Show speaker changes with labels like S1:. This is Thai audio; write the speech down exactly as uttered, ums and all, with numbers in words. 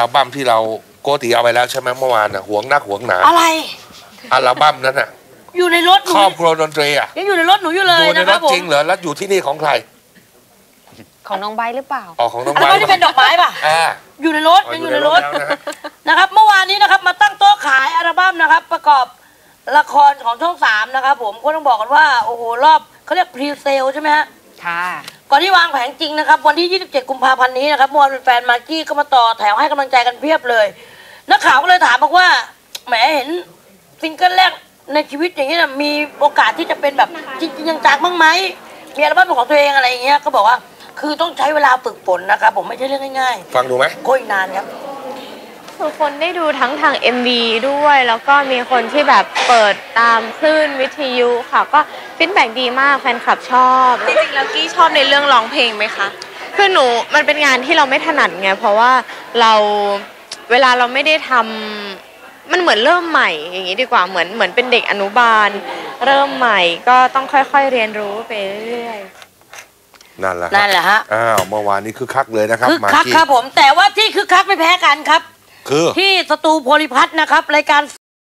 S1: อัลบั้มที่เราโกติเอาไปแล้วใช่ไหมเมื่อวานน่ะหวงนักหวงหนา
S2: อะไร
S1: อัลบั้มนั้นน่ะ
S2: อยู่ในรถ
S1: ครอบครัวดนตรีอ่ะ
S2: ยังอยู่ในรถหนูอยู่เลยนะครับผม
S1: จริงเหรอแล้วอยู่ที่นี่ของใคร
S3: ของน้องใบหรือเปล่า
S1: อ๋อของน้องใบ
S2: ที่เป็นดอกไม้ป่ะอยู่ในรถยังอยู่ในรถนะครับเมื่อวานนี้นะครับมาตั้งโต๊ะขายอัลบั้มนะครับประกอบละครของช่องสามนะครับผมก็ต้องบอกกันว่าโอ้โหรอบเขาเรียกพรีเซลใช่ไหมฮะ
S3: ค่ะ
S2: ก่อนที่วางแผงจริงนะครับวันที่ยี่สิบเจ็ดกุมภาพันธ์นี้นะครับเมื่อวานแฟนมากกี้ก็มาต่อแถวให้กำลังใจกันเพียบเลยนักข่าวก็เลยถามบอกว่าแหมเห็นซิงเกิลแรกในชีวิตอย่างนี้นะมีโอกาสที่จะเป็นแบบจริงๆจังๆบ้างไหมมีอัลบั้มเป็นของตัวเองอะไรอย่างเงี้ยก็บอกว่าคือต้องใช้เวลาฝึกฝนนะครับผมไม่ใช่เรื่องง่าย
S1: ๆฟังดูไหม
S2: ก็อีกนานครับ
S3: คือคนได้ดูทั้งทาง เอ็ม วี ด้วยแล้วก็มีคนที่แบบเปิดตามคลื่นวิทยุค่ะก็ฟีดแบ็กดีมากแฟนคลับชอบ
S4: จริงๆแล้วกี้ชอบในเรื่องร้องเพลงไหมคะ
S3: คือหนูมันเป็นงานที่เราไม่ถนัดไงเพราะว่าเราเวลาเราไม่ได้ทำมันเหมือนเริ่มใหม่อย่างนี้ดีกว่าเหมือนเหมือนเป็นเด็กอนุบาลเริ่มใหม่ก็ต้องค่อยๆเรียนรู้ไปเรื่อย
S1: ๆนั่นแหละ
S2: นั่นแหละฮะ
S1: อ้าวเมื่อวานนี้คึกคักเลยนะครับ
S2: คึกคักครับผมแต่ว่าที่คึกคักไม่แพ้กันครับ
S1: คือ
S2: ที่สตูโพลิพัฒน์นะครับรายการ